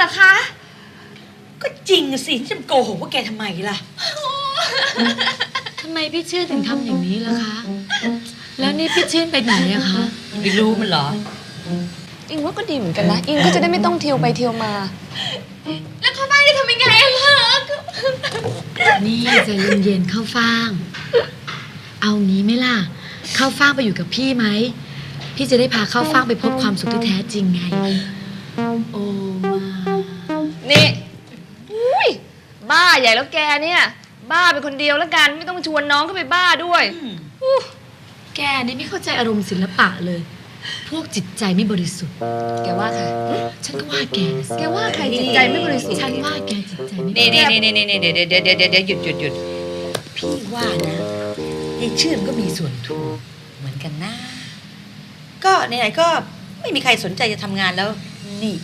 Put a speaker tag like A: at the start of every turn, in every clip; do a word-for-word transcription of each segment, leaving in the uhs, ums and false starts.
A: อคะ
B: ก็จริงสิจะโกหกว่าแกทำไมล่ะ
C: ทำไมพี่ชื่นถึงทำอย่างนี้ล่ะคะแล้วนี่พี่ชื่นไปไหนอะคะ
B: ไม่รู้มันเหรอ
A: อิงว่าก็ดีเหมือนกันนะอิงก็จะได้ไม่ต้องเที่ยวไปเที่ยวมาแล้วเข้าบ้านจะทำยังไงอะคะ
C: นี่ใจเย็นๆเข้าฟ่างเอางี้ไหมล่ะเข้าฟ่างไปอยู่กับพี่ไหมพี่จะได้พาเข้าฟ่างไปพบความสุขที่แท้จริงไงโอ้มา
A: นี่อุ้ยบ้าใหญ่แล้วแกเนี่ยบ้าเป็นคนเดียวแล้วกันไม่ต้องชวนน้องเข้าไปบ้าด้วย
C: แกนี่ไม่เข้าใจอารมณ์ศิลปะเลยพวกจิตใจไม่บริสุทธิ์
A: แกว่าใคร
C: ฉันก็ว่าแก
A: แกว่าใครจิตใจไม่บริสุทธิ์
C: ฉันว่าแกจิตใจไม่บริสุทธิ์
B: นี่นี่นี่นี่เดี๋ยวเดี๋ยวเดี๋ยวเดี๋ยวหยุดหยุดหยุดพี่ว่านะยายชื่นก็มีส่วนถูกเหมือนกันนะก็ไหนๆก็ไม่มีใครสนใจจะทำงานแล้วนี่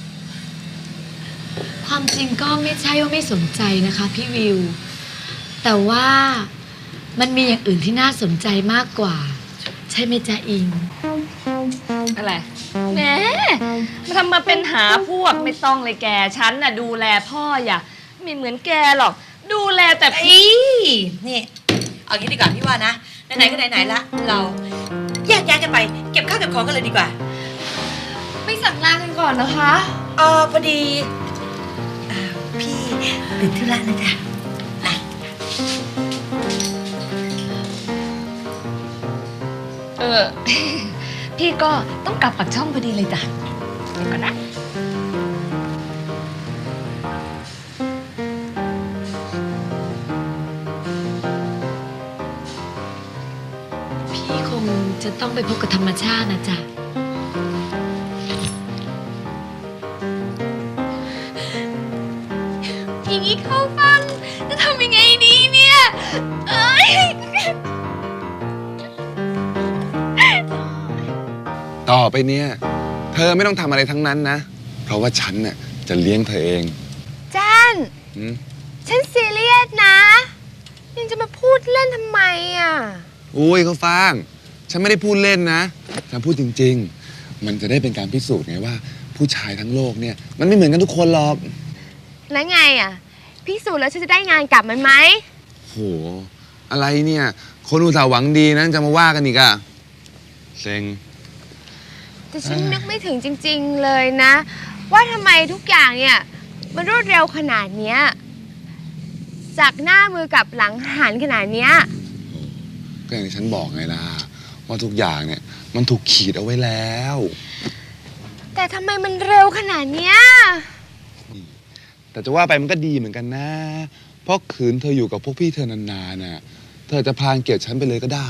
C: ความจริงก็ไม่ใช่ว่าไม่สนใจนะคะพี่วิวแต่ว่ามันมีอย่างอื่นที่น่าสนใจมากกว่าใช่ไหมจ๊ะอิง
A: อะไรแหมมาทำมาเป็นหาพวกไม่ต้องเลยแกฉันน่ะดูแลพ่ออย่าไม่เหมือนแกหรอกดูแลแต่
B: พี่นี่เอางี้ดีกว่าพี่ว่านะไหนๆก็ไหนๆละเราแยกย้ายกันไปเก็บข้าวเก็บของกันเลยดีกว่า
A: ไม่สั่งลากันก่อนนะคะ
B: เออพอดีพี่ติดธุระนะจ๊ะ
A: เออพี่ก็ต้องกลับปักช่องพอดีเลยจ้ะเดี๋ยวก่อนนะ
C: พี่คงจะต้องไปพบกับธรรมชาตินะจ๊ะ
A: อย่างนี้เข้าฟังจะทำยังไงดีเนี่ยเอ้ย
D: ต่อไปเนี่ยเธอไม่ต้องทำอะไรทั้งนั้นนะเพราะว่าฉันน่ะจะเลี้ยงเธอเอง
A: จันฉันซีเรียสนะยังจะมาพูดเล่นทำไมอ่ะ
D: อุ้ยเขาฟังฉันไม่ได้พูดเล่นนะฉันพูดจริงๆมันจะได้เป็นการพิสูจน์ไงว่าผู้ชายทั้งโลกเนี่ยมันไม่เหมือนกันทุกคนหรอก
A: แล้วไงอ่ะพิสูจน์แล้วฉันจะได้งานกลับมันไหม
D: โหอะไรเนี่ยคนอุตส่าห์หวังดีนะจะมาว่ากันอีกอะเซ็ง
A: แต่ฉันนึกไม่ถึงจริงๆเลยนะว่าทำไมทุกอย่างเนี่ยมันรวดเร็วขนาดเนี้ยจากหน้ามือกับหลังหันขนาดเนี้ย
D: ก็อย่างที่ฉันบอกไงล่ะว่าทุกอย่างเนี่ยมันถูกขีดเอาไว้แล้ว
A: แต่ทำไมมันเร็วขนาดเนี้ย
D: แต่จะว่าไปมันก็ดีเหมือนกันนะเพราะขืนเธออยู่กับพวกพี่เธอนานๆน่ะเธอจะพานเกลียดฉันไปเลยก็ได้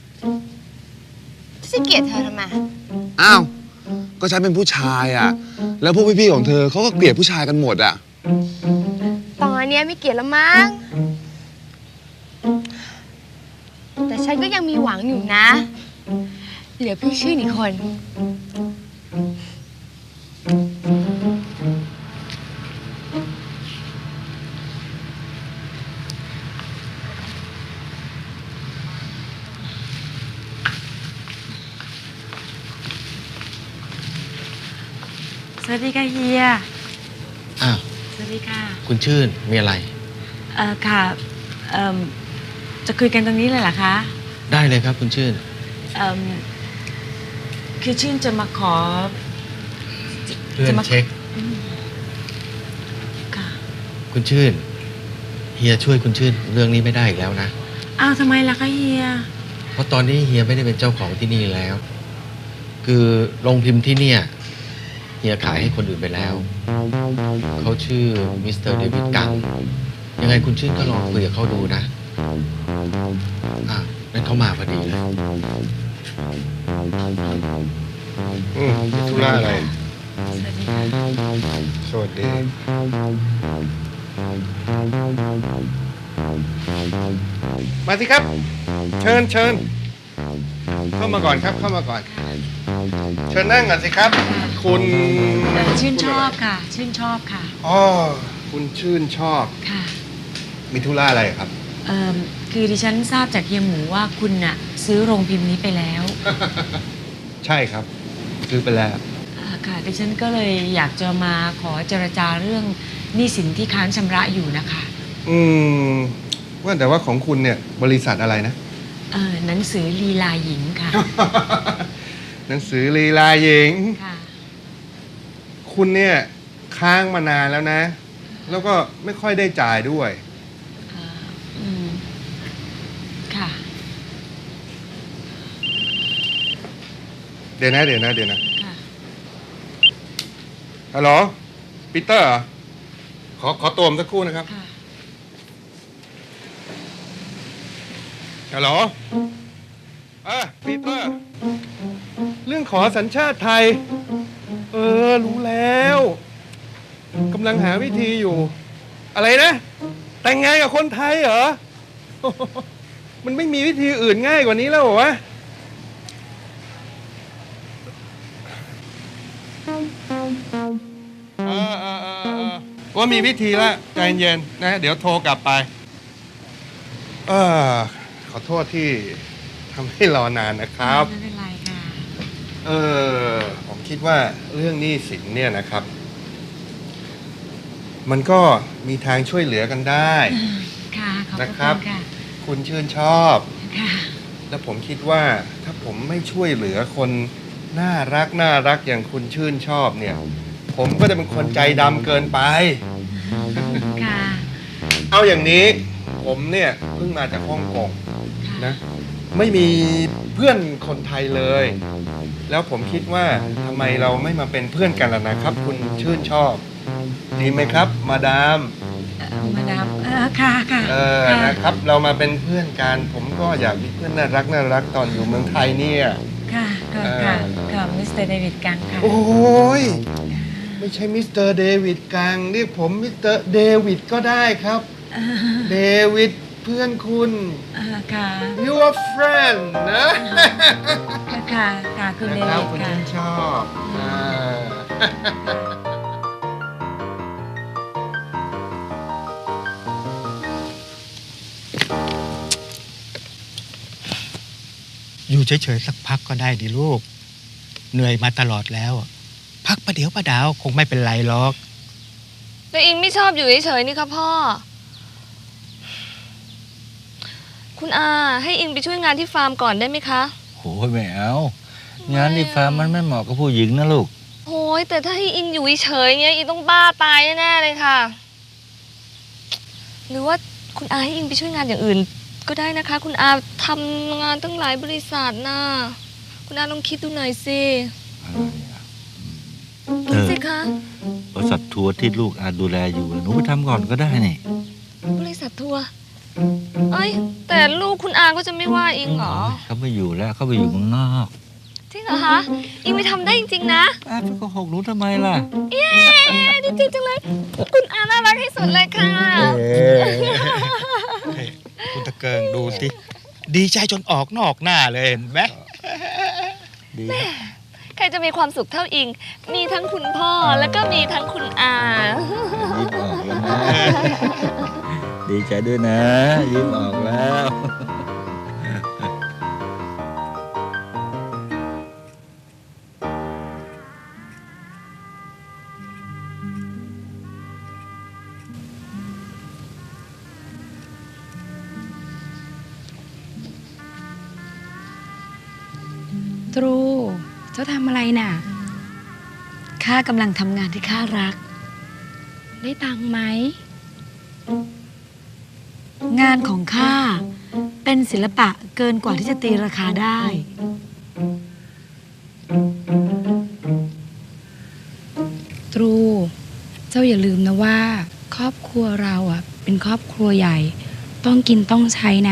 A: จะเกลียดเธอทำไม
D: อ้าวก็ฉันเป็นผู้ชายอ่ะแล้วพวกพี่ๆของเธอเขาก็เกลียดผู้ชายกันหมดอ่ะ
A: ตอนนี้ไม่เกลียดแล้วมั้งแต่ฉันก็ยังมีหวังอยู่นะเหลือพี่ชื่ออีกคน
C: สวัสดีค่ะเฮีย
E: อ้าว
C: สวัสดีค่ะ
E: คุณชื่นมีอะไร
C: เอ่อค่ะเอ่อจะคุยกันตรงนี้เลยเหรอคะ
E: ได้เลยครับคุณชื่น
C: เอ่อคือชื่นจะมาขอ
E: เพื่อนเช็ค
C: ค่ะ
E: คุณชื่นเฮียช่วยคุณชื่นเรื่องนี้ไม่ได้อีกแล้วนะ
C: อ้าวทำไมล่ะคะเฮีย
E: เพราะตอนนี้เฮียไม่ได้เป็นเจ้าของที่นี่แล้วคือโรงพิมพ์ที่เนี่ยเฮียขายให้คนอื่นไปแล้วเขาชื่อมิสเตอร์เดวิดกังยังไงคุณชื่นก็ลองคุยกับเขาดูนะอ่ะนั่นเขามาพอดีเลย
D: อืมธุระอะไร
C: สวัสดี
D: มาสิครับเชิญเชิญเข้ามาก่อนครับเข้ามาก่อนเชิญนั่งก่อนสิครับคุณ
C: ชื่นชอบค่ะชื่นชอบค่ะ
D: อ๋อคุณชื่นชอบ
C: ค่ะ
D: มีธุระอะไรครับ
C: เอ่อคือดิฉันทราบจากเฮียหมูว่าคุณน่ะซื้อโรงพิมพ์นี้ไปแล้ว
D: ใช่ครับซื้อไปแล้ว
C: ค่ะดิฉันก็เลยอยากจะมาขอเจรจาเรื่องหนี้สินที่ค้างชำระอยู่นะคะ
F: อืมว่าแต่ว่าของคุณเนี่ยบริษัทอะไรนะ
C: เออหนังสือลีลาหญิงค่ะ
F: หนังสือลีลาหญิง
C: ค่ะ
F: คุณเนี่ยค้างมานานแล้วนะ แล้วก็ไม่ค่อยได้จ่ายด้วย
C: เอ่ออืมค่ะ
F: เดี๋ยวนะเดี๋ยวนะเดี๋ยวนะ
C: ค่ะ
F: ฮัลโหลปีเตอร์เหรอขอขอตัวผมสักครู่นะครับ
C: ค่ะ
F: ฮัลโหลเออปีเตอร์ เรื่องขอสัญชาติไทย เออ รู้แล้วกำลังหาวิธีอยู่ อะไรนะ แต่งงานกับคนไทยเหรอ มันไม่มีวิธีอื่นง่ายกว่านี้แล้วเหรอวะ เออเออเออเออว่ามีวิธีแล้วใจเย็นนะ เดี๋ยวโทรกลับไป เออขอโทษที่ทำให้รอนานนะครับ
C: ไม่เป็นไรค่ะ
F: เออผมคิดว่าเรื่องหนี้สินเนี่ยนะครับ มันก็มีทางช่วยเหลือกันได้
C: ค่ะ ขอบพ
F: นะ
C: ระ
F: ครั
C: คุ
F: บ
C: ณค่ะ
F: คุณชื่นชอบ
C: ค่ะ
F: แล้วผมคิดว่าถ้าผมไม่ช่วยเหลือคนน่ารักน่ารักอย่างคุณชื่นชอบเนี่ย ผมก็จะเป็นคนใจดำเกินไป
C: ค่ะ
F: เอาอย่างนี้ผมเนี่ยเพิ่งมาจากฮ่องกงนะ ไม่มีเพื่อนคนไทยเลย แล้วผมคิดว่าทำไมเราไม่มาเป็นเพื่อนกันล่ะนะครับ คุณชื่นชอบ ดีไหมครับ มาดาม
C: เอ่อมาดามเออค่ะ ค่ะ
F: เออ
C: ค่ะ
F: นะครับ เรามาเป็นเพื่อนกัน ผมก็อยากมีเพื่อนน่ารักน่ารักตอนอยู่เมืองไทยเนี่ย
C: ค่ะค่ะ
F: เออ
C: ค่ะค่ะมิสเตอร์เดวิดกังค่ะ
F: โอ้ยไม่ใช่มิสเตอร์เดวิดกังเรียกผมมิสเตอร์เดวิดก็ได้ครับ เดวิดเพื่อนคุณ
C: อ่าค่ะ
F: your friend นะ
C: ค่ะ ค่ะ คุณเด
F: นะครับ
C: วิด
F: คุณ
C: ค่ะ
F: ชื่นชอบอ่า
G: อยู่เฉยๆสักพักก็ได้ดิลูก เหนื่อยมาตลอดแล้ว พักประเดี๋ยวประดาวคงไม่เป็นไรหรอก
H: แต่อิงไม่ชอบอยู่เฉยๆนี่ค่ะพ่อ คุณอาให้อิงไปช่วยงานที่ฟาร์มก่อนได้ไหมคะ
I: โหยไม่เอา งานที่ฟาร์มมันไม่เหมาะกับผู้หญิงนะลูก
H: โอ้ยแต่ถ้าให้อิงอยู่เฉยๆเงี้ยอิงต้องบ้าตายแน่ๆเลยค่ะ หรือว่าคุณอาให้อิงไปช่วยงานอย่างอื่น ก็ได้นะคะ คุณอาทำงานตั้งหลายบริษัทนะคุณอาลองคิดดูหน่อยสิ
I: เออ
H: สิคะ
I: บริษัททัวร์ที่ลูกอาดูแลอยู่หนูไปทำก่อนก็ได้นี่
H: บริษัททัวร์เอ้ยแต่ลูกคุณอาก็จะไม่ว่าอิงเหรอ
I: เขาไม่อยู่แล้วเขาไปอยู่เมืองนอก
H: จริงเหรอคะอิงไปทำได้จริงๆนะ
I: อ้าวไปโกหกหนูทำไมล่ะ
H: เย้ดีใจจังเลย คุณอาน่ารักที่สุดเลยค่ะ
G: คุณตะเกิงดูสิ ดีใจจนออกนอกหน้าเลยเห็นไหม
I: ดี
H: ใครจะมีความสุขเท่าอิง มีทั้งคุณพ่อแล้วก็มีทั้งคุณอา
I: ยิ้มออกแล้วนะ ดีใจด้วยนะ ยิ้มออกแล้ว
J: ตรู เจ้าทำอะไรน่ะ
C: ข้ากำลังทำงานที่ข้ารัก
J: ได้ตังค์ไหม
C: งานของข้าเป็นศิลปะเกินกว่าที่จะตีราคาได้
J: ตรู เจ้าอย่าลืมนะว่า ครอบครัวเราอ่ะ เป็นครอบครัวใหญ่ ต้องกินต้องใช้นะ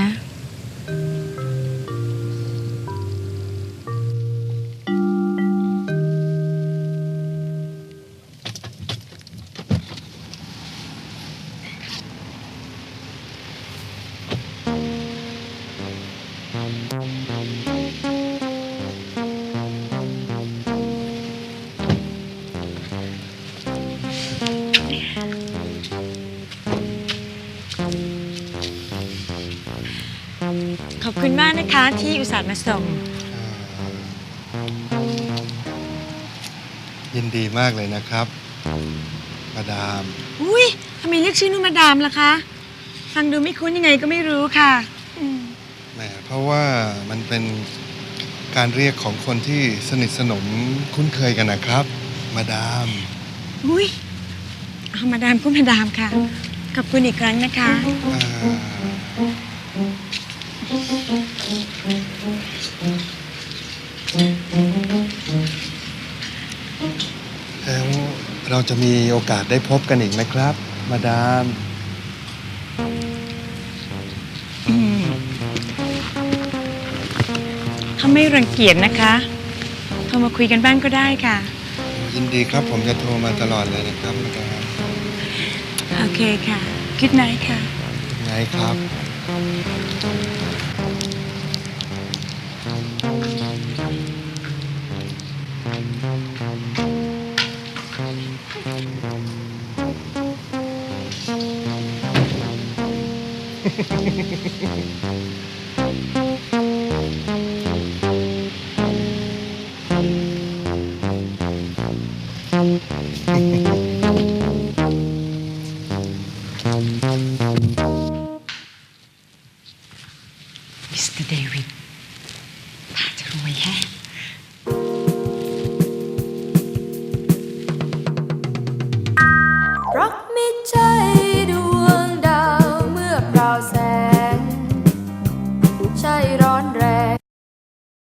C: ขอบคุณมากนะคะ ที่อุตส่าห์มาส่ง
F: ยินยินดีมากเลยนะครับ มาดาม
C: อุ้ยทำไมเรียกชื่อนุ่นมาดามล่ะคะ ฟังดูไม่คุ้นยังไงก็ไม่รู้ค่ะอืม
F: แหมเพราะว่ามันเป็นการเรียกของคนที่สนิทสนมคุ้นเคยกันนะครับ มาดาม
C: อุ้ยเอามาดามก็มาดามค่ะ ขอบคุณอีกครั้งนะคะ
F: อ่าแล้วเราจะมีโอกาสได้พบกันอีกไหมครับ มาดาม
C: อืมถ้าไม่รังเกียจนะคะโทรมาคุยกันบ้างก็ได้ค่ะ
F: ยินดีครับผมจะโทรมาตลอดเลยนะครับมาดาม
C: โอเคค่ะ Good night ค่ะ
F: ไงครับ
C: Thank you.